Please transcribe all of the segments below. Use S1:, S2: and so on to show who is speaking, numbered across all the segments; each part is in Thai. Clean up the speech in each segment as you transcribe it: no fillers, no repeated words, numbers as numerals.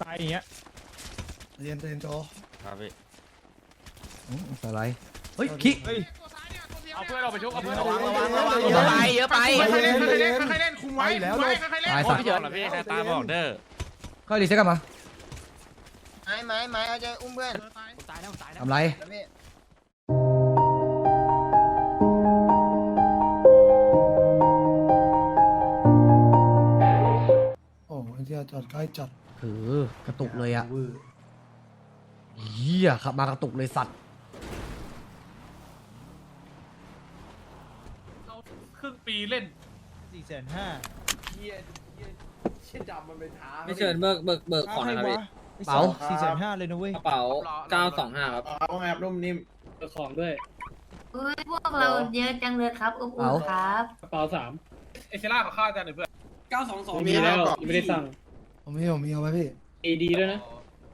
S1: ตายอย่างเงี้ย
S2: เรียนโจ
S3: ครับพี่
S4: อะไรเฮ้ยคิก
S1: เอาเพื่อนเราไปชุบเอาเพื่อน
S2: ระวัง
S3: เยอะไปเยอะไป
S1: ค่อยๆเล่นค่อยๆเล่นค่อยๆเล่นคุมไว้คุมไว้ค่อยๆเล่น
S4: ตาย
S3: โอ้
S4: สัต
S3: พี่
S4: ว์
S3: เฉินเหรอพี่ใครตาบอกเด้อ
S4: เข้าดีเซ็ตกันมา
S5: ไม้เอาใจอุ้มเพื่อน
S3: ตายแล้วตายแล้ว
S4: ทำไร
S5: แล้วพี่
S2: โอ้ยที่จอดใกล้จัด
S4: คือกระตุกเลยอ่ะเหี้ยขับมากระตุกเลยสัตว์
S1: ครึ่งปีเล่น
S6: 450,000
S7: ไม่เชิญเบิกของนะครับพี่
S4: เป๋า
S6: 450,000เลยนะเว้ย
S7: กระเป๋า925ครับ
S6: เอาแอบนุ่มนิ่มเบิกของด้วย
S8: อุ้ยพวกเราเยอะจังเลยครับอุ้มๆครับ
S6: กระเป๋า3
S1: เอเซล่ากับข้าวจานหนึ่งเพื่อน
S6: 922มีแล้วยังไม่ได้สั่ง
S2: ผมมีเอาไหมพี่
S6: AD ด้วยนะ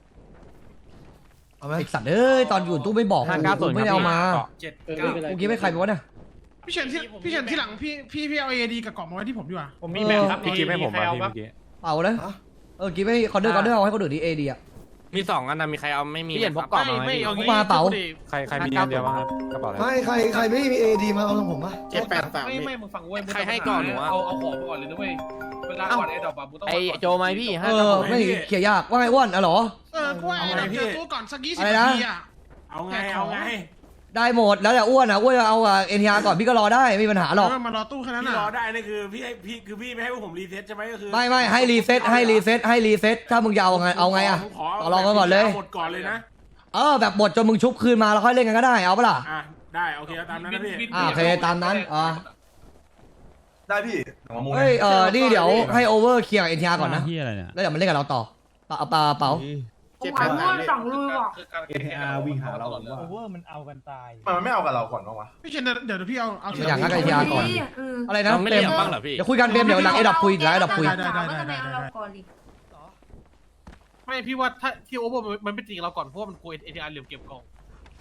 S2: เอาไหม
S4: ไอสัตว์เอ้ยตอนอยู่ตู้ไม่บอกกูไม่ได้เอามา
S6: เออไม่เป็นไร
S4: กูกี้ไม่ใครไปวะเนี่ย
S1: พี่เฉินที่หลังพี่เอาADกับกล่องมาไว้ที่ผมดีกว่า
S4: ผมมีแบบครับ
S3: พี่กิ๊ฟให้ผมมาพี่เมื่อกี้
S4: เป๋านะกี้ไม่คอนเดอร์เอาให้คนอื่นดีเอดีอ่ะ
S3: มี2อันนะมีใครเอาไม่มี
S1: พี่เฉินพกกล่องไม่เอางี้
S4: มาเป๋า
S3: ใครมีอันเดียวบ้างครับกระเป๋าอะไร
S2: ไม่ใครไม่มีเอดีมาเอาของผมป่ะ
S1: ไม่มึงฟังเว้ย
S3: ใครให้ก่อนหนูอะ
S1: เอาของไปก่อนเลยนะเว้ยเวลาก่อนไอ้ดอกบาบูต้อง
S3: ไอโจไหมพี่
S4: ไม่เขี่ยยากว่าไงอ้วนอะหรอ
S1: กูว่าเจอตู้ก่อนสัก20
S4: อะไร
S1: นา
S4: นะ
S1: ทีอ่ะ
S6: เอาไง
S4: ได้หมดแล้วแต่อ้วนอ่ะอ้วนเอาเอ็นทีอาร์ก่อนพี่ก็รอได้ไม่มีปัญหาหรอก
S1: มารอตู้แค่นั้น
S6: พี่
S1: น่ะ
S6: รอได้นี่คือพี่ไม่ให้พวกผมรีเซ็ตใช่ไหมก็คือ
S4: ไม่ให้รีเซ็ตถ้ามึงจะเอาไงอ่ะต่อรองกันก่อนเลย
S6: หมดก่อนเลยนะ
S4: แบบหมดจนมึงชุบคืนมาแล้วค่อยเล่นกันก็ได้เอาปะล่ะ
S6: อ่ะได้โอเคตามนั้นนะพี่
S4: โอเคตามนั้น
S9: ได้พี่
S4: เฮ้ยนี่เดี๋ยวให้โอเวอร์เคลียร์เอ็นทีอาร์ก่อนนะ
S1: ที่อะไรเนี่ย
S4: แล้วเดี๋ยวมันเล่นกับเราต่อเป๋า
S8: ผมหวังว่าสองรูบอก
S1: NTR วิ่งหาเรา
S6: ว่า
S1: โอเวอร์มันเอากันตาย
S9: มันไม่เอากับเราก่อนบ้างวะ
S1: พี่เชนเดี๋ยวพี่เอา
S4: อย่างนั้นกับเอ็นทีอาร์ก่อนอะไรนะ
S3: ไม่
S4: เต็
S3: เรี
S4: ม
S3: ยกบ้างเหรอพี่
S4: เดี๋ยวคุยกันเต็มเดี๋ยวหลังไอ้ดับคุย
S8: ได้
S1: ได้
S8: เราก่อนดิ
S1: ไม่พี่ว่าถ้าที่โอเวอร์มันไม่จริงเราก่อนเพราะว่ามันกลัว NTR เหลี่ยมเก็บกล่อง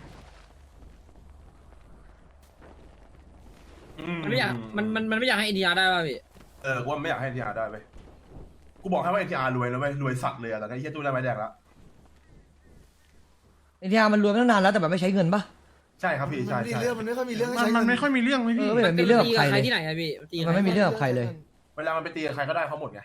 S7: มันไม่อยากมันไม่อยากให้ NTR ได้ป่ะพี่
S9: กูว่าไม่อยากให้ NTR ได้เว้ยกูบอกให้ว่า NTR รวยแล้วเว้ยรวยสัตว์เลยอะแต่ไอ้เหี้ยตู้ได้ไม้แดงแล้ว
S4: เอ็นทีอาร์มันรวมตั้งนานแล้วแต่แบบไม่ใช้เงินปะ
S9: ใช่ครับพี่ใช่
S2: เรื่องมันไม่ค่อยมีเรื่องให้ใช้
S1: มันไม่ค่อยมีเรื่องไหมพี่
S4: ไม่มีเรื่องกับใครเลย
S7: ที่ไหนครับพี่ตี
S4: มันไม่มีเรื่องกับใครเลย
S9: เวลามันไปตีกับใครก็ได้เขาหมดไง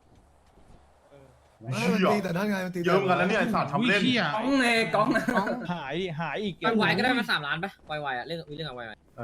S2: มันตีแต่นั่นไงมันตี
S9: เยอะเหมือนกันแล้วเนี่ยไอ้สัตว์ทำเล่น
S6: หายอีก
S7: ไวก็ได้มา3 ล้านป่ะไวอ่ะเรื่องมีเรื่องกับไว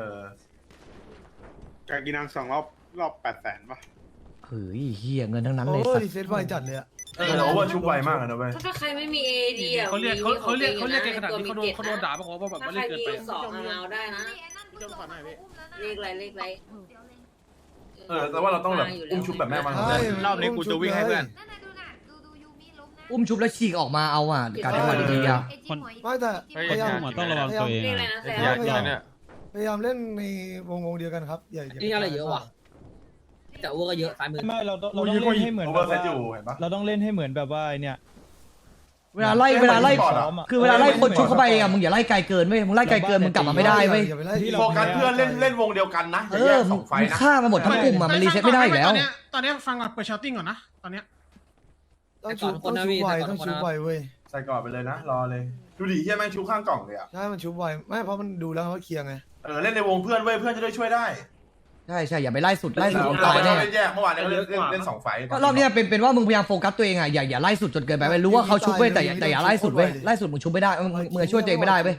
S9: การกินนาง2 รอบ800,000ป่ะ
S4: เฮ้ยเฮียเงินทั้งนั้น
S2: โอ้
S4: เลย
S2: ย
S4: สัต
S2: รี
S4: ว์
S2: เซ็ตไวจัดเลยอะ
S9: เราว่าชุบไวมากเลยนะเว้ย
S8: ถ้าใครไม่มีเอดีอ่ะ
S1: เขาเรียกกันขนาดนี้เขาโดนด่าเพราะว่าแบบ
S8: ถ้า
S1: ว่า
S8: ใคร
S1: เล่นเกิน
S8: มี
S1: ไป
S8: 2เอาได้นะเลขอะไร
S9: แต่ว่าเราต้องแบบอุ้มชุบแบบแม่มัน
S2: รอบนี้กูจะวิ่งให้เพื่อน
S4: อุ้มชุบแล้วฉีกออกมาเอาอ่ะการจังหวะดีๆอ่ะ
S2: ไม่แต่พยายาม
S1: ต้องระวังตัวเอง
S8: เลขอะไรนะแซ
S2: พยายามเล่นในวงเดียวกันครับอย่า
S7: นี่อะไรเยอะว่ะแต่อ้วก็เยอะซ้ายมือ
S6: ไม่เราต้องเล่นให้เหมือน
S9: โอ
S6: แบ
S9: เวอร์
S6: บ
S9: เซต
S6: ว่า
S9: อยู่เห็นปะ
S6: เราต้องเล่นให้เหมือนแบบว่าเนี่ย
S4: เวลาไล่คือเวลาไล่คนชุบเข้าไปอ่ะมึงอย่าไล่ไกลเกินเว้ยมึงไล่ไกลเกินมึงกลับมาไม่ได้เว้ย
S2: อย่าไปไล่
S9: โฟกัสเพื่อนเล่นวงเดียวกันนะอย่าแยกสองไฟ
S4: มึง
S9: นะ
S4: ฆ่ามาหมดทั้งกลุ่มอ่ะมันรีเซ็ตไม่ได้อีกแล้ว
S1: ตอนนี้ฟังก่อนเปิดชาร์ติ้งก่อนนะตอนนี้
S2: ต้องชุบไวต้องชุบไวเว้ย
S9: ใส่ก่อนไปเลยนะรอเลยดูดิเฮียแม่งชุบข้างกล่องเลยอะ
S2: ใช่มันชุบไวไม่เพราะมันดูแล้วว่าเคลียร์ไง
S9: เล่นในวงเพื่อนเว้ยเพื่อนจะได้ช่วยได้
S4: ใช่อย่าไปไล่สุด
S9: เรา
S4: ตาย
S9: ไม่ต้
S4: แน่
S9: องเล่นแยกเมื่อวานนี้เล่น2 ไฟ
S4: ก็รอบนี้เป็นว่ามึงพยายามโฟกัสตัวเองอ่ะอย่าไล่สุดจนเกินไปเว้ยรู้ว่าเขาชุบเว้ยแต่อย่าไล่สุดเว้ยไล่สุดมึงชุบไม่ได้มึงช่วยตัวเองไม่ได้เว้ย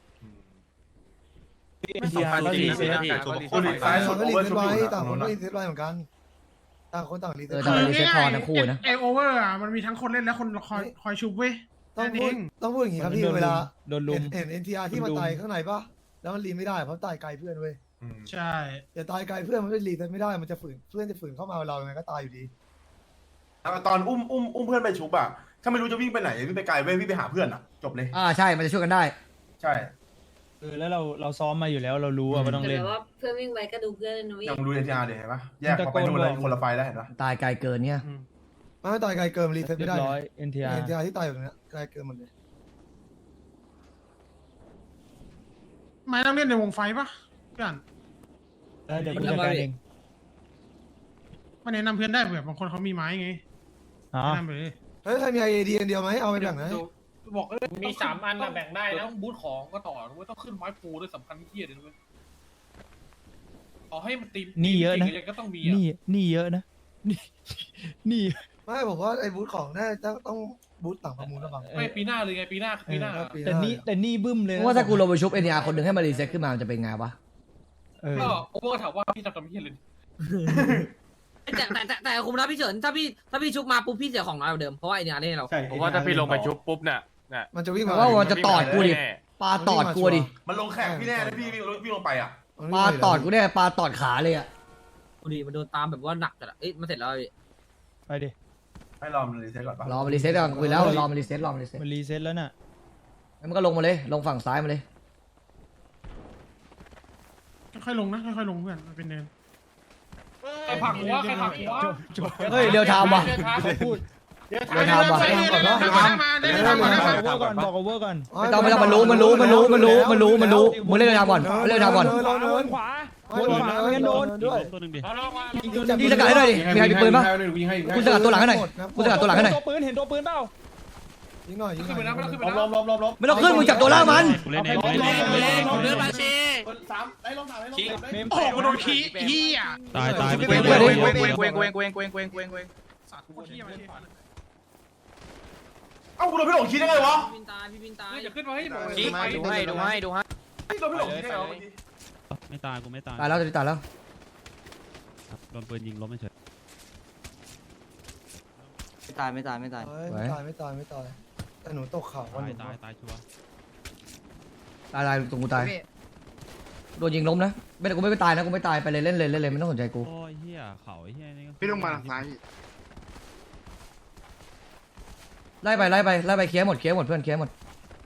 S6: NTR ก็รีเซ็ต
S9: คนอีกซ้ายสุด
S2: ก็
S9: โอ
S2: รี
S9: เวอร์
S2: เซ็
S9: ชุ
S2: ต
S9: บ
S2: ไว
S9: อยู่
S2: ต่างคน
S9: นะ
S2: ก็รีเซ็ตไวเหมือนกันต่างคนต่างรีเซ็ต
S4: แต่มันรีเซ็ตพอทั้งคู่นะ
S1: ไอโอเวอร์อ่ะมันมีทั้งคนเล่นและคนคอยชุบเว้ย
S2: ต้องพูดอย่างนี้ครับพี่เวลา
S6: โดนลุม
S2: เห็น NTR ที่มันตายข้างในปะแล้วมันรีไม่ได้เพราะตายไกลเพื่อนเว้ย
S1: ใช่
S2: อย่าตายไกลเพื่อนมันไม่รีเซ็ตไม่ได้มันจะฝืนเพื่อนจะฝืนเข้ามาเรายังไงก็ตายอยู่ดี
S9: ตอนอุ้มเพื่อนไปชุบอะถ้าไม่รู้จะวิ่งไปไหนวิ่งไปไกลเว้ยวิ่งไปหาเพื่อนอะจบเลย
S4: ใช่มันจะช่วยกันได้
S9: ใช่
S6: แล้วเราซ้อมมาอยู่แล้วเรารู้ว่าต้อง
S8: แต่
S6: เล่น
S8: ว่าเพื่อนวิ่งไปก็ดูเพื่อนนุ้ย
S9: ยังดู NTR เดี๋ยวเห็นปะแยกมาไปนู่นเลยคนละไฟแล้วเห็นปะ
S4: ตายไกลเกินเนี่ย
S2: ไม่ตายไกลเกินรีเซ็ต
S6: เรีย
S2: ไม่ได้
S6: บร้อย NTR
S2: NTR ที่ตายแบบนี้ไกลเกินหมดเลย
S1: ไม่ต้องเล่นในวงไฟปะเพื่อน
S6: เดี๋ยวกูจัดการเอง
S1: มันแนะนำเพื่อนได้แบบบางคนเขามีไม้ไง
S6: อ๋อ
S1: แนะนำไปเลย
S2: เฮ้ยใครมีไอเดียเดียวไหมเอาไปแบ่งนะ
S1: บอกมี3 อันนะแบ่งได้นะต้องบูทของก็ต่อไม่ต้องขึ้นไม้ปูด้วยสำคัญที่เดียวเลยเอาให้มันตี
S6: นี่เยอะนะ
S1: ก็ต้องมี
S6: นี่เยอะนะนี่
S2: ไม่ผมว่าไอ้บูธของน่าจะต้องบูธต่างประมูลระบัง
S1: ไม่ปีหน้าเลยไงปีหน้า
S6: แต่นี่บึ้มเลย
S4: เพราะว่าถ้ากูลงไปชุบเอ็นอาร์คนหนึ่งให้มารีเซ็ตขึ้นมามันจะเป็นไงวะ
S1: ก็โอเวอร์ถามว่าพี่จะทำพี่เลย
S7: แต่คุมนะพี่เฉินถ้าพี่ชุบมาปุ๊บพี่เสียของน้อยกว่าเดิมเพราะว่าไอเนี่ยเล่นเรา
S3: ผมว่าถ้าพี่ลงไปชุบปุ๊บเนี่ย
S2: มันจะวิ่งมา
S4: ว่ามันจะตอดกูดิปลาตอดกูดิ
S9: มันลงแข่งพี่แน่นะพี่วิ่งลงไปอ่ะ
S4: ปลาตอดกูเนี่ยปลาตอดขาเลยอ่ะ
S7: ดูดิมันโดนตามแบบว่าหนักจัดเอ้ยมันเสร็จแล้วพี่
S6: ไปดิ
S9: ให้รอมันรีเซ็ตก่อนป่ะ
S4: รอมารีเซ็ตก่อนคุยแล้วรอมารีเซ็ต
S6: มันรีเซ็ตแล้วน่ะ
S4: แล้วมันก็ลงมาเลยลงฝั่งซ้ายมาเลย
S1: ค่อยลงนะค่อยลงเพื่อนมันเป็นเนินใครผักหัว
S4: เฮ้ยเดี๋ยวทำว่ะ
S6: พูด
S4: เดี๋ยวทำว่ะ
S6: บอกโอเวอร์ก่อน
S4: ไม่ต้องมันรู้มึงเล่นเดี๋ยวทำก่อนเล่นเดี๋ยวทำก่อน
S6: ขวาไม่งั้นโดนด้วย
S4: ยิงสกัดให้หน่อยดิมีใครมีปืนปะกูสกัดตัวหลังให้หน่อยกูสกัดตัวหลังให้หน่อย
S6: ตัวปืนเห็นตัวปืนเปล่า
S2: ยิงหน่อยยิงห
S1: ขึ้นไป
S2: น่
S1: แล้
S2: อ
S1: วย ไม่ต้องขึ้นไปแล้ว
S9: ลบ
S4: ไม่ต้องขึ้นมึงจับตัวล่างมัน
S6: เล่นเล่น
S9: 3ได้ลง3ได้ลง
S1: โอ้โหโดนขี้เหี้ย
S6: ตาย
S1: สัตว์โคตรเหี้ยมัน
S9: เอ้ากูโดนพี่หลงคิดได้ไงวะ
S7: พี่บินตาย
S1: เดี๋ยวขึ้นมาให้บอก
S3: ดูให้
S9: พี่โดนพี่หลงคิดได้ไงวะ
S6: ไม่ตายกูไม่ตาย
S4: ตายแล้วตายแล้ว
S6: โดนปืนยิงล้มไม่เฉย
S5: ไม่ตาย
S2: ไม่ตายแต่หนูตกเขาวันหนึ่ง
S6: ตายชัวร์
S4: ตายตรงกูตายโดนยิงล้มนะไม่แต่กูไม่ตายนะกูไม่ตายไปเลยเล่นเลยไม่ต้องสนใจกู
S6: โอ้ยเฮียเขาเฮียนี่
S9: พี่ต้องมาทางซ้าย
S4: ไล่ไปเคลียร์หมดเพื่อนเคลียร์หมด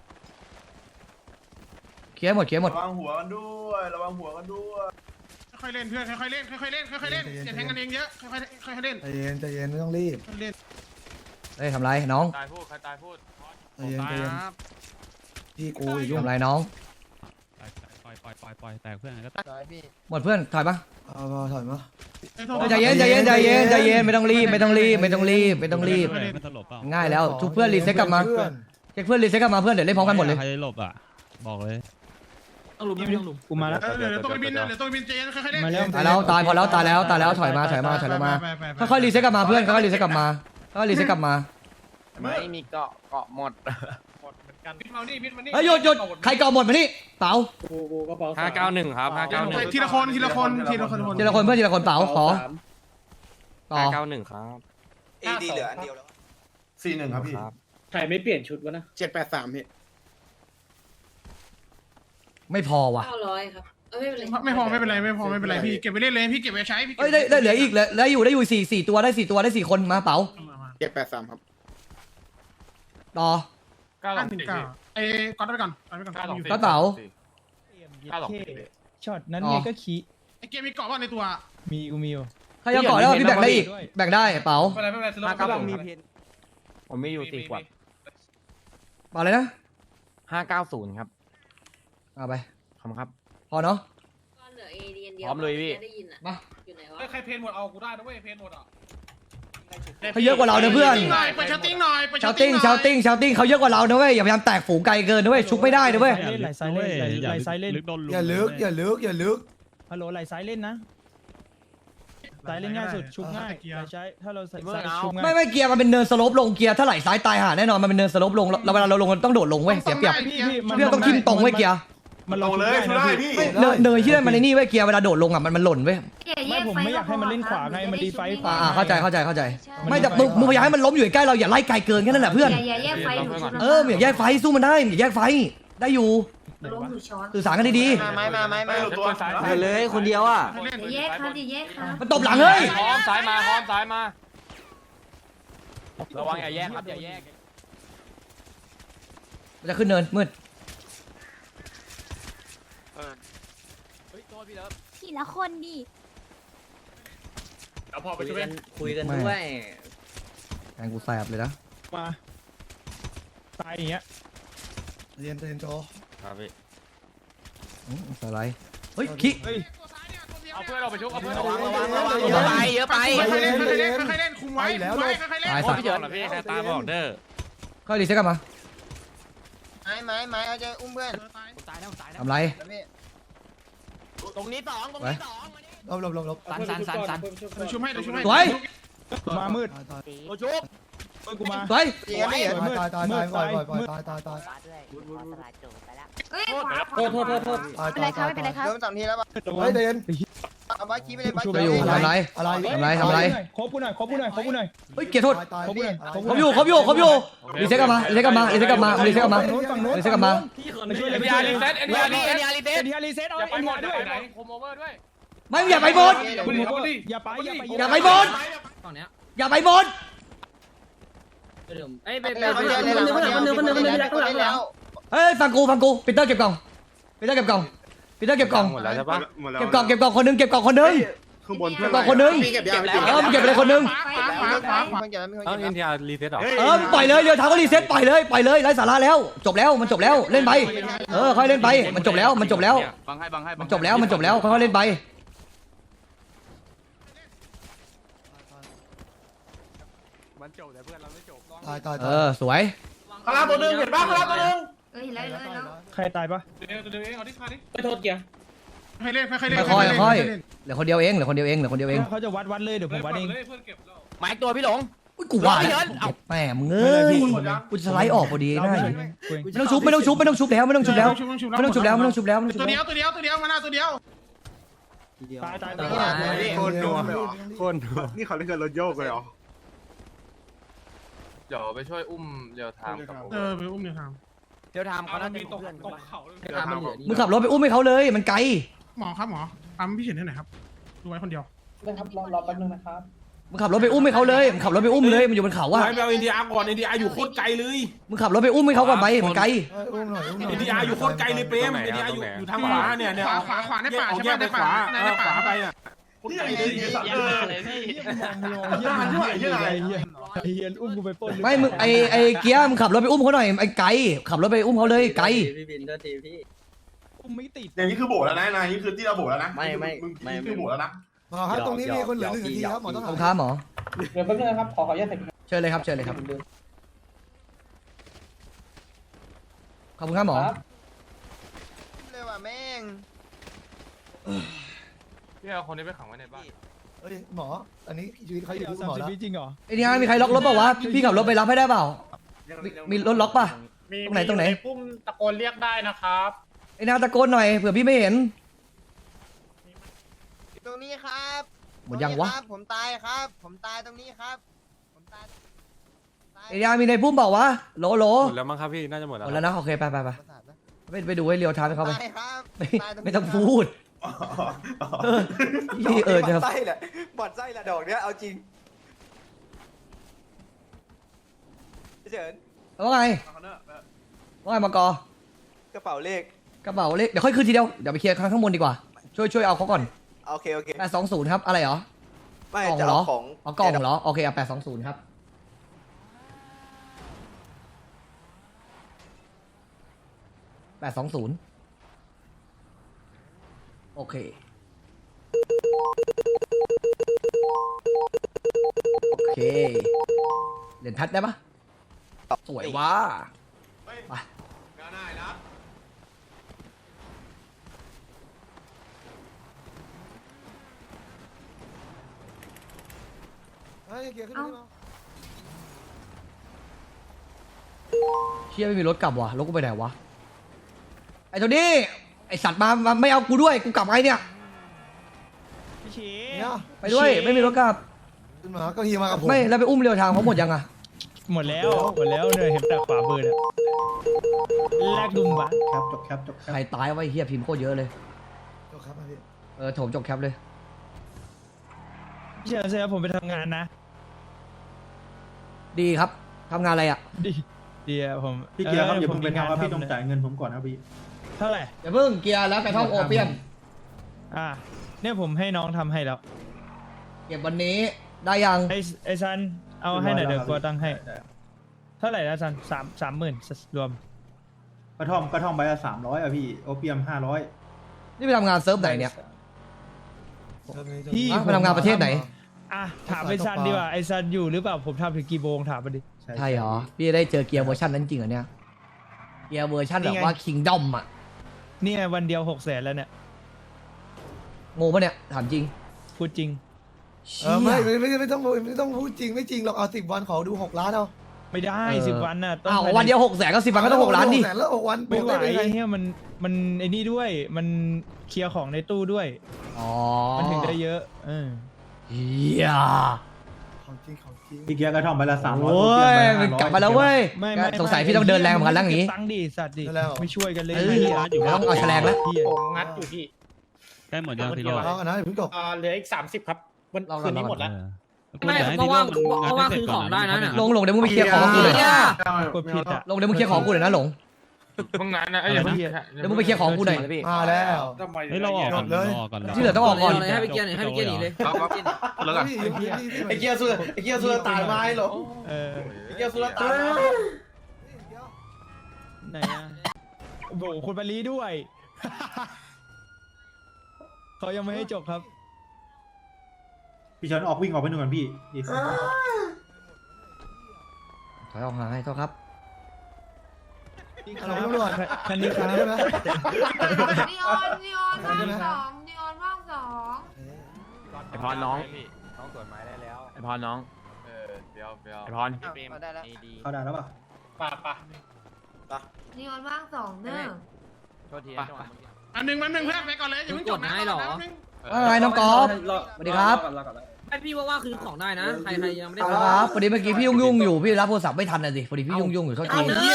S9: ระวังหัวกันด้วย
S1: ค่อยเล่นเพื่อนค่อยเล่นอย่าแทงกันเองเยอะค่อยเล่น
S2: ใจเย็นไม่ต้องรีบ
S1: เล่น
S4: เฮ้ยทำไรน้อง
S3: ตายพูดใครตายพูด
S2: ใจเย็นพี่กูอีกยุ่ง
S4: ทำไรน้อง
S6: ปล่อยแตกเพื่อนก็
S5: ตายพี่
S4: หมดเพื่อนถอยปะ
S2: เอาถอยมา
S4: ใจเย็นไม่ต้องรีบ
S6: ไม่ตลบเปล่า
S4: ง่ายแล้วทุกเพื่อนรีเซ็ตกลับมาเช็คเพื่อนรีเซ็ตกลับมาเพื่อนเดี๋ยวเล่นพร้อมกันหมดเลย
S6: ใครหลบอ่ะบอกเลย
S7: ต้องลุมไม่ต้องลุม
S6: กูมาแล้ว
S1: เดี๋ยวตัวบินใจเย็นค่อยเล่น
S6: มาแล้ว
S4: ตายแล้วถอยมาค่อยๆรีเซ็ตกลับมาเพื่อนค่อยๆรีเซ็ตกลับมา
S3: ไม่มีเกาะหมด
S1: บินมานี่บินมานี่
S4: เฮ้ยหยุดใครก่อหมดมานี่เป๋า
S3: 591ครับ591
S1: ทีละคนเพื่อน
S4: ทีละคนเป๋าขอต่อ
S3: 591ครับ
S5: AD เหลืออันเดียวแล้ว
S9: 41ครับพี่
S7: ใครไม่เปลี่ยนชุดวะนะ
S5: 783พี่
S4: ไม่พอว่ะ
S8: 900ครับไม่เป็นไร
S1: ไม่พอไม่เป็นไรพี่เก็บไปเล่นเลยพี่เก็บไปใช้พี่
S4: เอ้ยได้เหลืออีกได้อยู่4ตัวได้4คนมาเป๋า
S5: 783ครับ
S4: ต่อ
S1: ไอ้ก๊อตไปก่อน
S4: ก็เป๋า
S6: ช็อตนั้นไงก็ขี้
S1: ไอ้เกมมีเกาะว่าในตัว
S6: มีกูมีอยู่
S4: ใครจะก่อแล้วพี่แบ่งได้อีกแบ่งได้เป๋า
S1: ไม่เป็นไร
S3: ผมมีอยู่4ขวด
S4: เป๋าเลยนะ
S3: 590ครับ
S4: เอาไป
S3: ขอบคุณครับ
S8: ก็เหลือเอเดียนเดียว
S3: พร้อมเลยพี่
S8: ได้ยินอ่ะ
S4: มา
S8: อยู่ไหนวะ
S1: ใครเพนหมดเอากูได้นะเว้ยเพนหมดอ่ะ
S4: เขาเยอะกว่าเรานะเพื่อน
S1: ไปชาติ้งหน่อย
S4: ชาวติ้งเขาเยอะกว่าเรานะเว้ยอย่าพยายามแตกฝูงไกลเกินนะเว้ยชุบไม่ได้นะเว้ย
S6: ไหลซ้ายเล่นไหลซ้ายเล่น
S2: อย่าลึก
S6: ฮัลโหลไหลซ้ายเล่นนะซ้ายเล่นง่ายสุดชุบง่ายใช้ถ้าเราใส่ชุบง่าย
S4: ไม่เกียร์มันเป็นเนินสโลปลงเกียร์ถ้าไหลซ้ายตายห่าแน่นอนมันเป็นเนินสโลปลงเราเวลาเราลงมันต้องโดดลงเว้ยเสียเปรียบเพื่อนต้องทิ่มตรงเว้ยเกียร์
S6: มัน
S9: ลงเลยช่วยได้พี่
S4: เนินที่นั่นมันในนี่เว้ยเกียร์เวลาโดดลงอ่ะมันหล่นเว้ย
S6: ไม่ผมไม่อยากให้มันเล่นขวาไงมันรีไฟขวา
S4: เข้าใจไม่แต่มึงพยายามให้มันล้มอยู่ใกล้เราอย่าไล่ไกลเกินแค่นั้นแหละเพื่อน
S8: อย่าแยกไฟหนู
S4: อย่าแยกไฟสู้มันได้อย่าแยกไฟได้อยู่
S8: ล้มหนูช้อน
S4: สื่อสารกันดี
S5: มา
S9: ตัว
S5: เลยคนเดียวอ่ะ
S8: อย่าแยกครับอย่าแยกครับ
S4: ๆมันตบหลังเฮ้ย
S3: พร้อมซ้ายมาระวังอย่าแยกครับอย่าแยก
S4: มันจะขึ้นเนินมืด
S8: ทีละคนดิ
S1: เอาพอไปช่วย
S5: คุยกันด้วย
S4: แทงกูแสบเลยนะ
S6: มาตายอย่างเงี้ย
S2: เรียนโจ
S3: ครับพี่
S4: สไลด์เฮ้ยขี้
S6: เฮ้ย
S1: เอาเอาเพื่อนเราไปชุบเอาเพื่อนเรา
S3: เยอะไปเยอะไป
S1: ค่อยๆเล่นค่อยๆเล่นค่อยๆเล่นคุมไว้คุมไว้ค่อยๆเล่น
S4: ตายสัตว์
S1: พี่เฉินพี่ใครตายบอกเด้อ
S4: ค่อยรีเซ็ตกลับมา
S3: ไม้เอาใจอุ้มเพื่อน
S4: ทำไร
S3: ตรงนี้สอง
S2: หลบ
S3: สัน
S1: ชุบให้ชุบให้
S4: สวย
S6: มามืด
S3: โอชุบ
S6: กูมา
S4: สวย
S3: เจี๊ยบพี่
S2: ตายตายตายปล่อยตาย
S8: เฮ้ย
S1: โทษ
S2: ตาย
S8: เป็นไรครับไม่เป็นไรครับ
S3: โดนสองทีแล้วป่ะ
S2: เฮ้ยเดน
S3: เอาไว้คีไปเลยไว้
S4: จะอยู่ทำไร
S2: อะไร
S4: ทำไร
S6: ครบกูหน่อย
S4: เฮ้ยเกียร์โทษ
S2: ตาย
S4: ผมอยู่รีเซ็ตกลับมารีเซ็ตกลับมารีเซ็ตกลับมารีเซ็ตกลับมา
S6: ฝั่งโน้น
S4: รีเซ็ตกลับมา
S6: ไปช่วย
S1: เอ็นดีอาร์รีเซ็ตเอ็นดีอาร์รีเซ็ต
S6: เอ็นทีอาร์รีเซ็ตเอา
S1: อย่าไป
S6: เอ็น
S1: หม
S6: ที
S1: ด
S6: อาร์
S1: ด้
S6: ด้
S1: ว
S6: วย ย
S1: โคมโอเวอร์ด้วย
S4: ไม่อย่าไปบน
S6: อย่าไป
S4: อย่าไปบน
S7: ฝั่งเนี้ย
S4: อย่าไปบน
S7: เดิมเอ้ยไป
S3: แล้ว
S4: เฮ้ยฟังกูปีเตอร์เก็บกล่องปีเตอร์เก็บกล่อง
S5: หมดแล้วใช่ปะ
S4: เก็บกล่องคนนึง
S5: ข้างบน
S4: เก็บกล่องคนนึง
S5: พี่เก็บยัง
S4: มึงเก็บไปเลยคนนึง
S3: ต้องอินเดีย
S4: มึงปล่อยเลยเดี๋ยวทางก็รีเซ็ตปล่อยเลยไร้สาระแล้วจบแล้วมันจบแล้วเล่นไปค่อยเล่นไปมันจบแล้วมันจบแล้วมันจบแล้วค่อยๆเล่นไป
S2: ตาย
S4: สวย
S9: คาราตัวหนึงเห็นป่ะคาราตัวหนึง
S8: เอ้ยแล้ว
S6: ใครตายปะ
S1: เดี๋ยวเองเอาที่คาดิ
S7: ไปโทษเกียร์
S1: ให้เล่นค่อยๆเล่น
S4: ค่อยเหลือคนเดียวเอง
S6: เขาจะวัดเลยเดี๋ยวผมวัดเอง
S1: เพื่อนเก็บแล้ว
S3: ไม้ตัวพี่หลง
S4: อุ้ยกูว่าแล้วแม่มึงเอ้ยกูจะสไลด์ออกพอดีได้ไม่ต้องชุบแล้วไม่ต้องชุบแล้ว
S1: ตัวเดียวมาหน้าตัวเดียว
S6: ตาย
S5: คนนัวคนนัวนี่เขาเล่นกันรถโยกเลยเหรอ
S10: เดี๋ยวไปช่วยอุ้มเรียวไทม์กับผม
S1: ไปอุ้มเนี่ยครับ
S3: เดี๋ยวทำเขาน่าจะ
S1: มีตกเขา
S7: ทางมันเหลือนี่
S4: มึงขับรถไปอุ้มให้เขาเลยมันไกล
S1: หมอครับหมอทำพี่เฉินให้หน่อยครับดูไว้คนเดียว
S4: มึงขับรถไปอุ้มให้เขาเลยมึงขับรถไปอุ้มเลยมันอยู่บนเขาอะ
S1: ไปเอาอินเดียก่อนอินเดียอยู่โคตรไกลเลย
S4: มึงขับรถไปอุ้มให้เขาก่อนไปมันไกล
S2: อุ้มหน่อย
S1: อินเดียอยู่โคตรไกลเลยเปรมอินเดียอยู่ทางขวาเนี่ยขวาในป่าใช่ไหมในป่าในป่าไปอ่ะ
S9: ที่ไหนเลยสัตว์เออ
S6: เฮียอุ้มกูไปปล้น
S4: ไม่มึงไอเกียร์มึงขับรถไปอุ้มเขาหน่อยไอไกลขับรถไปอุ้มเขาเลยไกล
S7: พี่บินโทษทีพี่
S6: อุ้มไม่ติด
S9: อย่างนี้คือโบแล้วนะนายนี่คือที่เราโบแล้วนะมึงคือโบแล้วนะ
S2: หมอครับตรงนี้มีคนเหลือ1 นาทีครับหมอต้อง
S4: ขอบคุณครับหมอ
S7: เดี๋ยวแป๊บนึงนะครับขออนุญาต
S4: เชิญเลยครับขอบคุณครับหมอ
S3: เลยว่ะแม่ง
S10: พี่เอาคนนี้ไปขังไว้ในบ้าน
S2: เฮ้ยหมออันนี้ชีวิตเขาอยู่ที่หมอแล้ว
S6: จริงเหรอ
S4: ไอ้นี่มีใครล็อกรถเปล่าวะพี่ขับรถไปรับให้ได้เปล่ามีรถล็อกป่ะ ตรงไหน
S1: ปุ้มตะโกนเรียกได้นะครับ
S4: ไอ้นาตะโกนหน่อยเผื่อพี่ไม่เห็น
S3: ตรงนี้ครับ
S4: หมดยังวะ
S3: ผมตายครับ ผมตายตรงนี้ครับผมตาย
S4: ไอ้นามีในพุ่มเปล่าวะโหล
S10: หมดแล้วมั้งครับพี่น่าจะหมด
S4: ห
S10: แล้ว
S4: มดแล้วนะโอเคไปดูให้เรียวทามให้เขาไป
S3: ตายครับ
S4: ไม่ต้องพูดจะ
S5: ไส้แหละบอดไส้แหละดอกเนี้ยเอาจริงเฉิน
S4: ว่าไงมากอก
S5: ระเป๋าเลข
S4: กระเป๋าเลขเดี๋ยวค่อยคืนทีเดียวเดี๋ยวไปเคลียร์ข้างบนดีกว่าช่วยเอาเขาก่อน
S5: โอเค
S4: 820ครับอะไรเหรอ
S5: ไม่
S4: กล่อง
S5: จะ
S4: เหรอ
S5: เอาของ
S4: เอากล่องเหรอโอเคเอา820ครับ820โอเคเหรียญแพทได้ปะสวยว่ะ
S9: ง่ายนะ
S2: เฮ้ยเกียร์ขึ้นมา
S4: เชี่ยไม่มีรถกลับว่ะรถกูไปไหนวะไอ้ตัวนี้ไอ้สัตว์มาไม่เอากูด้วยกูกลับไงเนี่ย
S6: พี่ชี
S2: เนี่ย
S4: ไปด้วยไม่มีรถกลับ
S2: ขึ้นมาก็ฮีมากับผม
S4: ไม่แล้วไปอุ้มเรียวทางเขาหมดยังอะ
S6: หมดแล้วเนี่ยเห็นแต่ขวามือเนี่ยแลกดุมวะ
S4: ใครตายไว้เฮียพิมพ์โคตรเยอะเลย
S2: ครับพี่
S4: โถมจบแคปเลย
S6: พี่เชิญเสียผมไปทำงานนะ
S4: ดีครับทำงานอะไรอะ
S6: ดีอะผม
S11: พี่เกียร์ครับอย่าเพิ่งไป
S6: งาน
S11: ทำครับพี่ต้อง
S6: เนี่ย
S11: จ่ายเงินผมก่อนครับพี่
S6: เท่าไหร่
S4: อย่าเพิ่งเกียร์แล้วกระท่อมโอเปียม
S6: เนี่ยผมให้น้องทำให้แล้ว
S4: เก็บวันนี้ได้ยัง
S6: ไอ้ซันเอาให้หน่อยเดี๋ยว
S11: เรียบร้
S6: กู
S11: อยแล้วครับ
S6: ตั้งให้
S11: ได้
S6: เท่าไหร่นะซัน30,000รวม
S11: กระท่อมใบละ300อ่ะพี่โอเปียม500
S4: นี่ไปทำงานเซิร์ฟไหนเนี่ย
S6: พี่
S4: มาทำงานประเทศไหน
S6: อ่ะถามไอ้ซันดีกว่าไอ้ซันอยู่หรือเปล่าผมทำถึงกี่โมงถามมาดิ
S4: ใช่เหรอพี่จะได้เจอเกียร์เวอร์ชันนั้นจริงเหรอเนี่ยเกียร์เวอร์ชันแบบว่าคิงดอมอ่ะ
S6: เนี่ยวันเดียว600,000แล้วเนี่ย
S4: งงปะเนี่ยถามจริง
S6: พูดจริง
S2: ไม่ต้องพูดจริงไม่จริงหรอกเอา10 วันขอดู6 ล้านเอา
S6: ไม่ได้
S4: เออ
S6: 10 วันน่ะต้อง
S4: อ้าววันเดียว600,000ก็10 วันก็ต้อง6 ล้านดิ
S2: แล้ว6 วัน
S6: ไม่ไหว
S2: ด้ไง
S6: เนี่ยมันไอ้นี่ด้วยมันเคลียร์ของในตู้ด้วย
S4: อ๋อ
S6: มันถึงได้เยอะ
S4: เฮีย
S2: ของจริงของจริง
S11: พี่เกียร์กระท่อมไปละ300
S4: โอ้ยมันกลับมาแล้วเว้ย
S6: ไม่
S4: สงสัยพี่ต้องเดินแรงเหมือนกันแล้วอย่างนี้
S6: ตังค์ดิสัตว์ดิไม่ช่วยกันเลย
S4: เออต้องเอาแฉลงแล้ว
S1: ผมงัดอยู่พี่
S6: ได้หมดยังทีเดียว
S2: เอากันนะเพิ่งจบ
S1: เหลืออีก30ครับวันคืนนี้หมดแล้ว
S7: ไม่เพราะว่าคือของได้นะเนี่ย
S4: ลงเดี๋ยวมึงไปเคลียร์ของกูหน่อย
S6: กดผิดอ่ะ
S4: ลงเดี๋ยวมึงเคลียร์ของกูหน่อยนะหลง
S10: มึงงานนะ
S6: เดี๋
S10: เดี๋
S6: ย
S10: ยว ว
S4: เดี๋ยวมึงไปเคลียร์ของกูหน่อย
S2: มาแล้ว
S6: เฮ้ยเราออก
S2: จบเลย
S4: ที่เหลือต้องออกก่อน
S7: ให้ไปเกียร์หน่อยให้ไปเกียร์หนีเลย
S10: แล้วกัน
S9: ไอ้เกียร์สุดตายไม้เหรอ
S6: เออ
S9: ไอ้เกียร์สุดตาย
S6: ไหนอ่ะโบคุณปารีด้วย เขายังไม่ให้จบครับ
S11: พี่เฉินออกวิ่งออกไปหนึ่งก่อนพี่
S4: ถอยออกห่างให้เท่าครับ
S2: อะไรตำรวจ
S6: คันนี้ครับ
S2: ใช่ไหม
S8: นีออนว่างสองนีออนว่างสอง
S10: ไอพรน้อง
S3: น้องตรวจไม้ได้แล้ว
S10: ไอพรน้องเดี๋ยวไอพร
S3: เขาได้แล้ว
S11: เข้าได้แล้วป่ะ
S1: ป่ะ
S8: นีออนว่างสองเด้อ
S3: โทษที
S1: อันหนึ่งเพื่อนไปก่อนเลยอย่าเพิ่งจบนะ
S4: ว่าไงน้องกอล์ฟสวัสดีครับ
S7: ไอพี่ว่าคือของได้นะใครยังไม่ได้
S4: ครับพอดีเมื่อกี้พี่ยุ่งอยู่พี่รับโทรศัพท์ไม่ทันน่ะสิพอดีพี่ยุ่งอยู่โทษที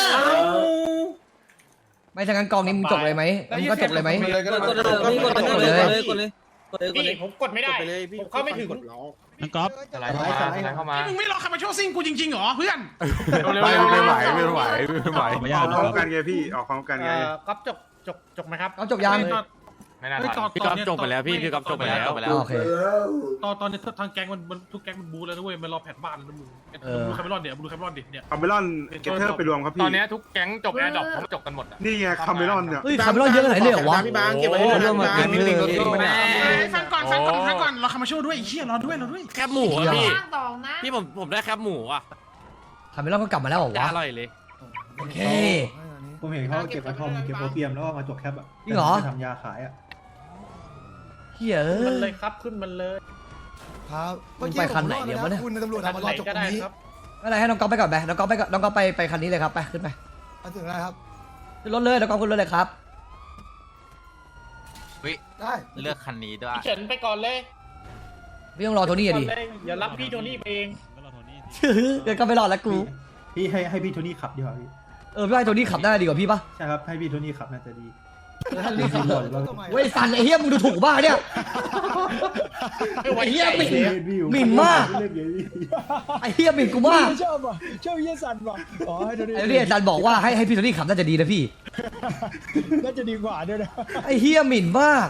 S4: ไม่ถ้างั้นกองนี้มึงจบเลยไหมมึงก็จบเลยไหม
S7: กดเลย
S1: พี่ผมกดไม่ได้ผมเข้าไม่ถึง
S6: น้องก๊อฟ
S10: อะไรเข้ามา
S1: มึงไม่รอใครมาช่วยซิ่งกูจริงๆเหรอเพื่อน
S5: ไม่ไหว
S6: ไม่
S5: ออกพร้อมกันไงพี่ออกพร้อมกันไง
S1: ครับจบไหมครับ
S4: เอาจบยัง
S10: ไม่น่าทันพี่ก๊อฟจบไปแล้วพี่ก๊อฟจบไปแล้ว
S4: โอเค
S1: ตอนนี้ทางแก๊งมันทุกแก๊งมันบูแล้วนะเว้ยมันรอแผนบ้านแล้วนะมึงดูคาเมรอนเดี๋ยวดูคาเมรอนดิเนี่ย
S5: คาเมลอนเกเทอร์ไปรวมครับพี่
S10: ตอนนี้ทุกแก๊งจบแอร์ดรอปเขาจบกันหมดอ่ะ
S5: นี่ไงคาเมลอนเนี่ย
S4: เฮ้ยคาร์เมลอนเยอะขนาดนี้เลยเหรอวะ
S3: พี่บางเก็บไว้ให้ด้วยนะ
S1: ฟังก่อนรอคามาช่วยด้วยไอ้เหี้ยรอด้วย
S10: แคบหมูอ่ะพี่
S8: ว่างสองนะ
S10: พี่ผมได้แคบหมูอ่ะ
S4: คาร์เมลอนก็กลับมาแล้วเหรอ
S10: จะ
S4: วะ
S10: อร่อยเลย
S4: โอเค
S11: ผมเห็นเขาเก็บกระท่อมเก็บโอเปียมแล้วก็มาจกแคปอ่ะ
S4: จริงเหรอ
S11: ทำยาขายอ่ะ
S4: เฮีย
S1: มันเลยครับขึ้นมันเลย
S2: ครับ
S4: มึงไปคันไหนเนี่ยวะเนี่ย
S2: คุณตำรวจเอามารอจบตรงนี้
S4: ไม่เป็นไรให้น้องก๊อฟไปก่อนไปน้องก๊อฟไปคันนี้เลยครับไปขึ้นไป
S2: มาถึงแล้วครับ
S4: ขึ้นรถเลยน้องก๊อฟขึ้นรถเลยครับ
S2: ได้
S3: เลือกคันนี้ด้วย
S1: เฉินไปก่อนเลย
S4: พี่ต้องรอโทนี่อะดิ
S1: อย่ารับพี่โทนี่ไปเอง
S4: เดี๋ยวก็ไม่รอดแล้วกู
S11: พี่ให้พี่โทนี่ขับดีกว่าพี่
S4: พี่ให้โทนี่ขับได้ดีกว่าพี่ปะ
S11: ใช่ครับให้พี่โทนี่ขับน่าจะดี
S4: เว้ยสันไอ้เฮียมึงดูถูกบ้าเนี่ย
S1: ไม่ไหว
S4: ไอ้เฮีย
S1: ใหญ่
S4: หมิ่นมาก
S11: เล่นเยอะพี่
S4: ไอ้เฮียหมิ่นกูมาก
S6: ชอบเยี่ยสันว่ะอ๋อให้ดูดิ
S4: ไอ้เนี่ยอาจารย์บอกว่าให้พี่โทนี่ขับน่าจะดีนะพี่
S6: น่าจะดีกว่าด้วยนะ
S4: ไอ้เฮียหมิ่นมาก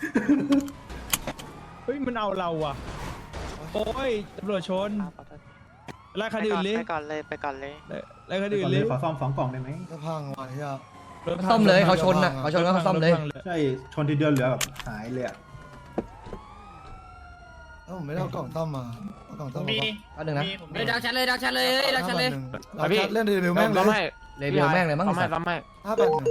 S6: เฮ้ยมันเอาเราอ่ะโอ้ยตำรวจชนไล่คันอื่นเลย
S3: ไปก่อนเลย
S6: ไล่คันอื่นเลย
S11: ขอซ่อม2 กล่องได้ไหม
S2: จะพังว่ะเฮีย
S4: ซ่อมเลยเขาชนน่ะเขาชนก็เขาซ่อมเลย
S11: ใช่ชนทีเดียวเหลือแบบหายเลยอ่ะ
S2: แล้วผมไม่ได้เอากล่องต้อมมาเอากล่องต้อม
S1: มี
S4: อันหนึ่งนะ
S7: ดักชันเลย
S2: เราเล่นเร็วๆแม่งเลย
S4: เลยเบลแม่งเลยมั้งสัตว์
S2: 581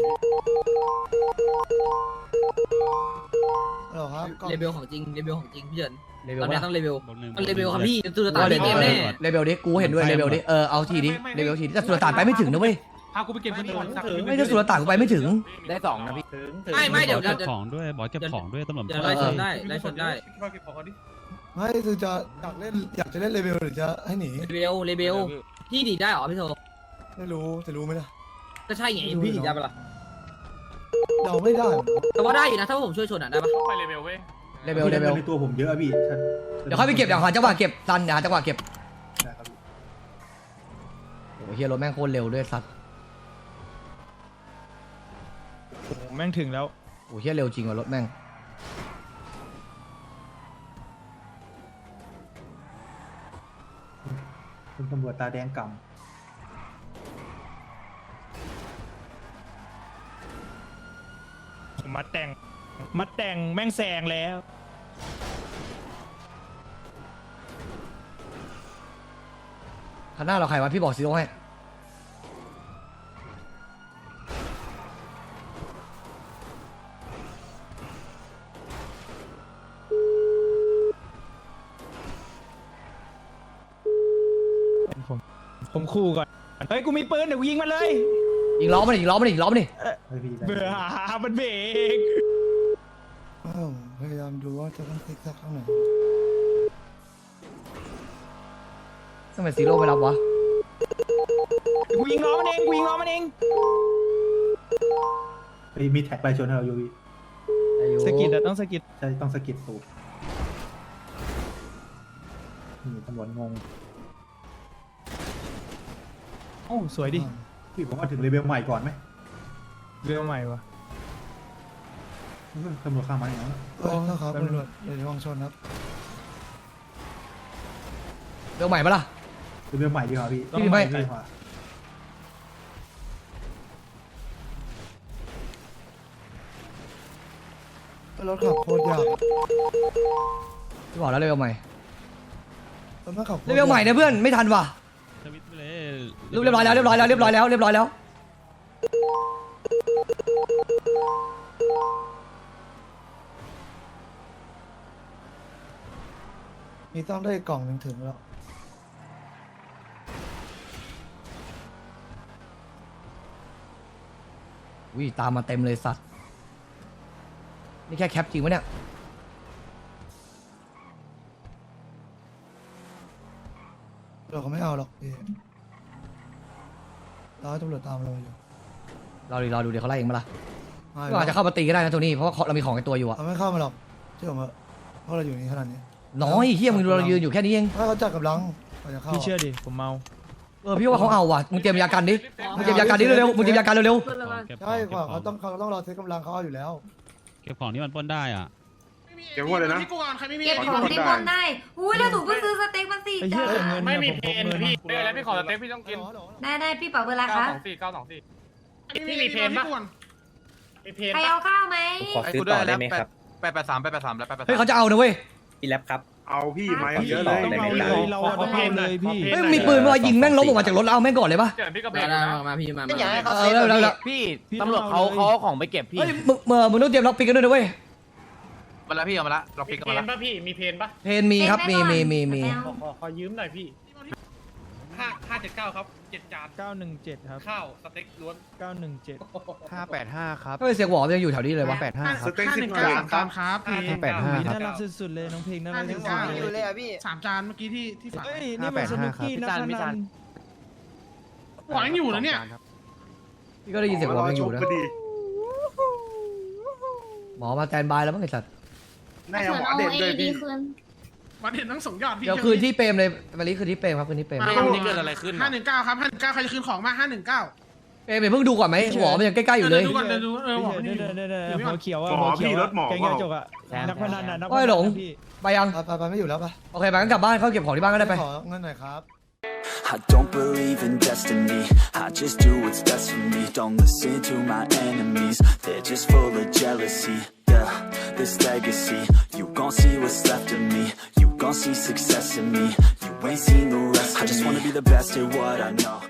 S2: ฮัลโหลครับ
S7: เลเวลของจริงพี่เฉิน
S4: เลเวล
S7: ตอนนี้
S4: ปะ
S7: ต้องเลเวลมันเลเวลครับพี่ตุลตาพี่เกมแน่
S4: เลเวลดิกูเห็นด้วยเลเวลดิเอาทีดิเลเวลทีดิแต่สุลต่านไปไม่ถึงนะเว้ย
S1: พากูไปเก็บเงินก่อนสัก
S4: ไม่ได้สุลต่านกูไปไม่ถึง
S3: ได้2นะพี่
S7: ไม่เดี๋ยว
S6: เก็บของด้วยบอกเก็บของด้วยตำรวจ
S7: ไล่ชนได้
S1: เก็บของก่อนดิ
S2: ไม่คือจะอยากจะเล่นเลเวลหรือจะให้หนี
S7: เลเวลพี่หนีได้หรอพี่โท
S2: ไม่รู้จะรู้ไหมล่ะ
S7: ก็ใช่ไงพี่หนีได้ปะล่ะ
S2: เดาไม่ได้
S7: แต่ว่าได้อยู่นะถ้าผมช่วยชนได้ปะ
S10: ไปเลเวลเว้ย
S4: เลเวล
S11: ในตัวผมเยอะพี่
S4: เดี๋ยวค่อยไปเก็บเดี๋ยวหาจังหวะเก็บตันเดี๋ยวหาจังหวะเก็บ
S11: ได้ครับ
S4: โอ้เฮียรถแม่งโคตรเร็วด้วยสัตว์
S6: โอ้โหแม่งถึงแล้ว
S4: โอ้เฮียเร็วจริงว่ะรถแม่ง
S11: คุณตำรวจตาแดงกำ
S6: มัดแต่งแม่งแซงแล้ว
S4: คันหน้าเราใครวะพี่บอกซีโร่ให้
S6: ผมคู่ก่อนเฮ้ยกูมีปืนเดี๋ยวกูยิงมันเลย
S4: ยิงล้อมันดิยิงล้อมันดิยิงล้อมันดิ
S11: เฮ้ยพี่ได้
S6: เบื่อมันเบรก
S2: พยายามดูว่าจะต้องติ๊กสักข้างไหน
S4: ทำไมซีโร่ไม่รับวะ
S6: กูยิงล้อมันเองกูยิงล้อมันเอง
S11: เฮ้ยมีแท็กไปชนให้เราอยู่พี่
S6: สกิดอะต้องสกิด
S11: ใช่ต้องสะกิดตูดนี่ตำรวจงง
S6: โอ้สวยดิ
S11: พี่ผมว่าถึงเลเวลใหม่ก่อนไหม
S6: เรื่องใหม่วะ
S11: ตำรวจข้ามมาอย่างนั้น
S2: ครับตำรวจเดี๋ยวระวังชนครับ
S4: เรื่องใหม่ปะล่ะ
S11: เลเวลใหม่ดีกว่าพี่
S4: พี่ไม่
S11: ใช่กว่า
S2: รถขับโคตรยาก
S4: พี่บอกแล้วเลเวลใหม่
S2: รถไม่ขับ
S4: เลเวลใหม่เนี่ยเพื่อนไม่ทันว่ะเรียบร้อยแล้วเรียบร้อยแล้วเรียบร้อยแล้วเรียบร้อยแล้ว
S2: มีต้องได้กล่องหนึ่งถึงแล้ว
S4: อุ้ยตามมาเต็มเลยสัตว์นี่แค่แคปจริงปะเนี่ย
S2: เราก็ไม่เอาหรอกพี่เราให้ตำรวจตามเราอยู่
S4: รอดูเดี๋ยวเขาไล่เองมาละ
S2: ไม่
S4: ก็อาจจะเข้ามาตีก็ได้นะตัวนี้เพราะว่าเรามีของในตัวอยู่อะ
S2: เราไม่เข้ามาหรอกเชื่อผมเถอะเพราะเราอยู่นี่ขนาดนี้
S4: น้อยเฮียมึงดูเรายืนอยู่แค่นี้เอง
S2: ถ้าเขาจัดกับลังเราจะเข้า
S6: พี่เชื่อดิผมเมา
S4: พี่ว่าเขาเอาว่ะมึงเตรียมยากันดิมึงเตรียมยากันดิเร็วๆมึงเตรียมยากันเร็ว
S2: ใช่กว่าเขาต้องรอเทสกำลังเขาเอาอยู่แล้ว
S12: เก็บของที่มันปล้นได้อ่ะ
S5: เก็บหมดเลยนะ
S1: ที่กูก่อนใครไม่มี
S8: เก็บของที่บนได้อุ้ยแล้วหนูเพิ่งซื้อสเต็กมาสี่
S6: ไอ้เหี้
S8: จาย
S6: แต่
S8: น
S6: เงิน
S10: ไม่มี
S6: ผ
S10: เพ
S6: พก
S10: น
S6: งิ
S10: พี่เดี๋ยวแล้วพี่ขอสเต็ปพี่ต้องกิน
S8: ได้พี่เป๋าเวลาคะ
S10: 924
S1: พี่มีเพนปะมีเพน
S8: ใคร
S1: ปะ
S8: เอาข้าวไหม
S3: ขอซื้อต่อได้ไหมครับ883แล้ว
S4: ๆเฮ้ยเขาจะเอานะเว้ย
S3: พี่แล็บครับ
S5: เอาพี่ไม้
S6: เอา
S5: เยอะเลย
S6: ต้องเอาเลยเราอะต้องเอาเลยพี่
S4: เฮ้ยมีปืนมายิงแม่งล้มออกมาจากรถแล้วเอาแม่งก่อนเลยปะ
S10: เดี๋ยวพี่ก็เบร
S7: ได้
S10: ก
S7: ได้
S10: นะ
S7: มาพี่มา
S3: ไม่อยากให้เขา
S4: เอ
S3: เซ
S4: อ
S3: ฟ
S4: แล้ว
S3: พี่ตำรวจเขาเอาของไปเก็บพี่
S4: เฮ้ยมึงต้องเตรียมล็อกปิกกันด้วยนะเว้ย
S3: มาแล้วพี่เอามาละเรา
S1: มี
S3: พิก
S1: เพ
S3: มาละ
S1: นปะพี่มีเพนปะ
S4: เพนมีครับมี
S1: ขอยืมหน่อยพี่579ครับ7จาน
S6: 917 ครับ
S1: ข้าวสเต็กล้วน
S6: 917
S3: 585ครับ
S4: เฮ้ยเสียงหวอมันยังอยู่แถวนี้เลยวะ
S5: สเต็ก10 จานครับ
S1: ครับพี่
S6: น่ารักสุดๆเลยน้องเพลงน่ารักสุดๆเลย
S1: 3 จานเมื่อกี้ที่ฝาก
S6: เฮ้ยนี่มันสนุกกี้นะพนัน
S1: หวังอยู่นะเนี่ย
S4: พี่ก็ได้ยินเสียงหวอมันยังอยู่นะ
S5: พอดี
S4: หมอมาแตนบายแล้วมั้งไอ้สัตว์
S5: แน่หมอเด่นด้วยพี่
S1: มาเห็นทั้ง2ยอดพี่
S4: เดี๋ยวคืนที่เปรมเลยวันนี้คืนที่เปรมครับคืนที่เปรม
S10: พี่วันนี้เกิดอะไรขึ้น
S1: 519ครับ519ใครจะคืนของมา519
S4: เปรมเพิ่งดูก่อนไหมหวอมันยังใกล้ๆอยู่เลย
S1: ดูก่อนเดี๋ยวดูบอก
S6: พี่
S1: นี่
S6: เดี๋ยวหัวเขียวอะ
S5: หมอพี่รถหมอ
S6: แกงยาจกอะนักพนันอะนักพ
S4: โอ้ย
S6: นัน
S4: หลง
S6: พี่
S4: ไปยัง
S2: ไปไม่อยู่แล้วปะ
S4: โอเคไปงั้นกลับบ้านเข้าเก็บของที่บ้านก็ได้ไป
S2: ขอเงินหน่อยครับ
S13: I don't believe in destiny, I just do what's best for me. Don't listen to my enemies, they're just full of jealousy. Yeah, this legacy, you gon' see what's left of me. You gon' see success in me, you ain't seen the rest of me. I just wanna be the best at what I know.